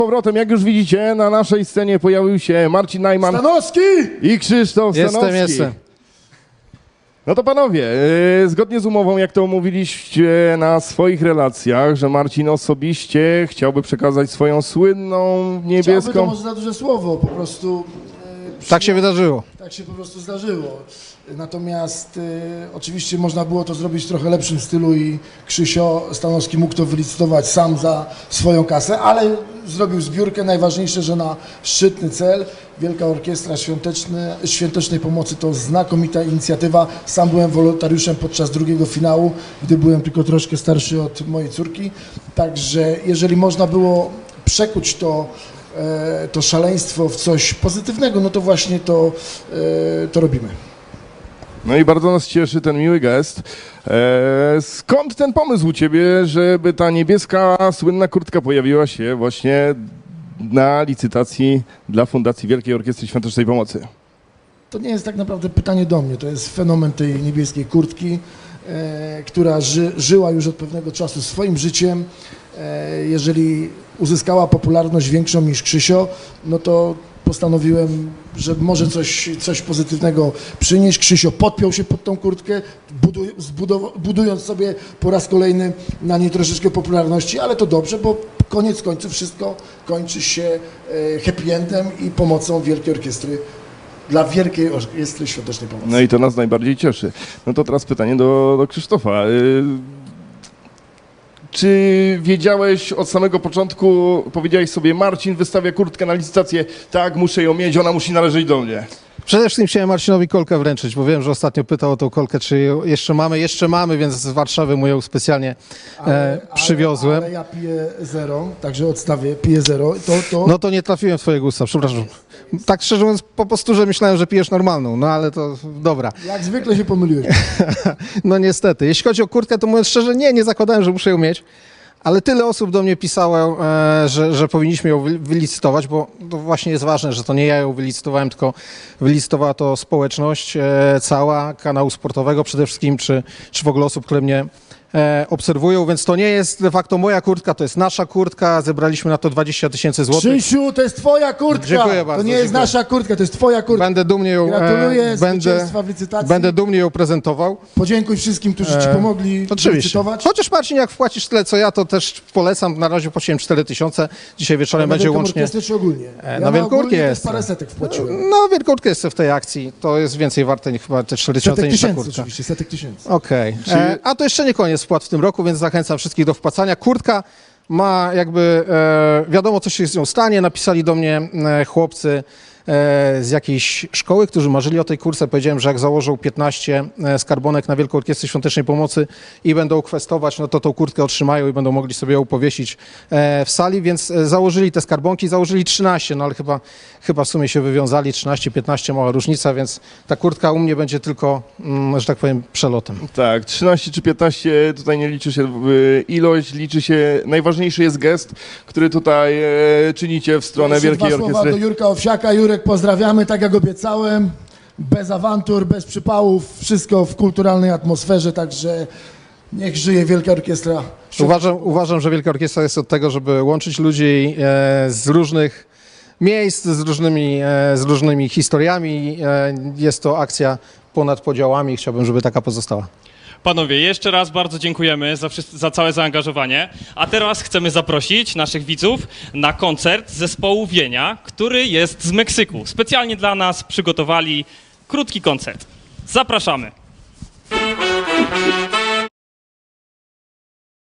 Powrotem, jak już widzicie, na naszej scenie pojawił się Marcin Najman Stanowski! i Krzysztof Stanowski. Jestem. No to panowie, zgodnie z umową, jak to omówiliście na swoich relacjach, że Marcin osobiście chciałby przekazać swoją słynną Chciałby, to niebieską... może za duże słowo, po prostu... Tak się wydarzyło. Tak się po prostu zdarzyło. Natomiast oczywiście można było to zrobić w trochę lepszym stylu i Krzysio Stanowski mógł to wylicytować sam za swoją kasę, ale zrobił zbiórkę. Najważniejsze, że na szczytny cel. Wielka Orkiestra Świątecznej Pomocy to znakomita inicjatywa. Sam byłem wolontariuszem podczas drugiego finału, gdy byłem tylko troszkę starszy od mojej córki. Także jeżeli można było przekuć to szaleństwo w coś pozytywnego, no to właśnie to robimy. No i bardzo nas cieszy ten miły gest. Skąd ten pomysł u ciebie, żeby ta niebieska, słynna kurtka pojawiła się właśnie na licytacji dla Fundacji Wielkiej Orkiestry Świątecznej Pomocy? To nie jest tak naprawdę pytanie do mnie, to jest fenomen tej niebieskiej kurtki, która żyła już od pewnego czasu swoim życiem. Jeżeli uzyskała popularność większą niż Krzysio, no to postanowiłem, że może coś pozytywnego przynieść. Krzysio podpiął się pod tą kurtkę, budując sobie po raz kolejny na niej troszeczkę popularności, ale to dobrze, bo koniec końców wszystko kończy się happy endem i pomocą Wielkiej Orkiestry dla Wielkiej Orkiestry Świątecznej Pomocy. No i to nas najbardziej cieszy. No to teraz pytanie do Krzysztofa. Czy wiedziałeś od samego początku, powiedziałeś sobie, Marcin wystawia kurtkę na licytację, tak, muszę ją mieć, ona musi należeć do mnie. Przede wszystkim chciałem Marcinowi kolkę wręczyć, bo wiem, że ostatnio pytał o tą kolkę, czy ją jeszcze mamy. Jeszcze mamy, więc z Warszawy mu ją specjalnie przywiozłem. Ale ja piję zero, także odstawię, piję zero. No to nie trafiłem w twoje gusta, przepraszam. Tak szczerze mówiąc, po prostu, że myślałem, że pijesz normalną, no ale to dobra. Jak zwykle się pomyliłeś. No niestety. Jeśli chodzi o kurtkę, to mówiąc szczerze, nie zakładałem, że muszę ją mieć. Ale tyle osób do mnie pisało, że powinniśmy ją wylicytować, bo to właśnie jest ważne, że to nie ja ją wylicytowałem, tylko wylicytowała to społeczność cała, kanału sportowego przede wszystkim, czy w ogóle osób, które mnie obserwują, więc to nie jest de facto moja kurtka, to jest nasza kurtka, zebraliśmy na to 20 000 złotych. Krzysiu, to jest twoja kurtka! Dziękuję bardzo, to nie jest dziękuję. nasza kurtka, to jest twoja kurtka. Będę dumnie ją, Gratuluję zwycięstwa w licytacji. będę dumnie ją prezentował. Podziękuj wszystkim, którzy ci pomogli Oczywiście. licytować. Chociaż Marcin, jak wpłacisz tyle co ja, to też polecam. Na razie płaciłem 4 000. Dzisiaj wieczorem będzie Wielką łącznie. Orkiestrę czy ogólnie? Ja na Wielką ogólnie też Orkiestrę. parę setek wpłaciłem. No, Wielką Orkiestrę w tej akcji. To jest więcej warte niż chyba te 4 000 Setek niż ta tysięcy kurtka. oczywiście, setek tysięcy. Okej. A to jeszcze nie koniec wpłat w tym roku, więc zachęcam wszystkich do wpłacania. Kurtka ma jakby, wiadomo co się z nią stanie. Napisali do mnie chłopcy z jakiejś szkoły, którzy marzyli o tej kurce. Powiedziałem, że jak założą 15 skarbonek na Wielką Orkiestrę Świątecznej Pomocy i będą kwestować, no to tą kurtkę otrzymają i będą mogli sobie ją powiesić w sali, więc założyli te skarbonki, założyli 13, no ale chyba w sumie się wywiązali, 13, 15, mała różnica, więc ta kurtka u mnie będzie tylko, że tak powiem, przelotem. Tak, 13 czy 15, tutaj nie liczy się ilość, liczy się, najważniejszy jest gest, który tutaj czynicie w stronę Jeszcze Wielkiej dwa słowa Orkiestry. do Jurka Owsiaka. Jurek, pozdrawiamy, tak jak obiecałem. Bez awantur, bez przypałów, wszystko w kulturalnej atmosferze, także niech żyje Wielka Orkiestra. Uważam, że Wielka Orkiestra jest od tego, żeby łączyć ludzi z różnych miejsc, z różnymi historiami. Jest to akcja ponad podziałami i chciałbym, żeby taka pozostała. Panowie, jeszcze raz bardzo dziękujemy za całe zaangażowanie, a teraz chcemy zaprosić naszych widzów na koncert zespołu Wienia, który jest z Meksyku. Specjalnie dla nas przygotowali krótki koncert. Zapraszamy.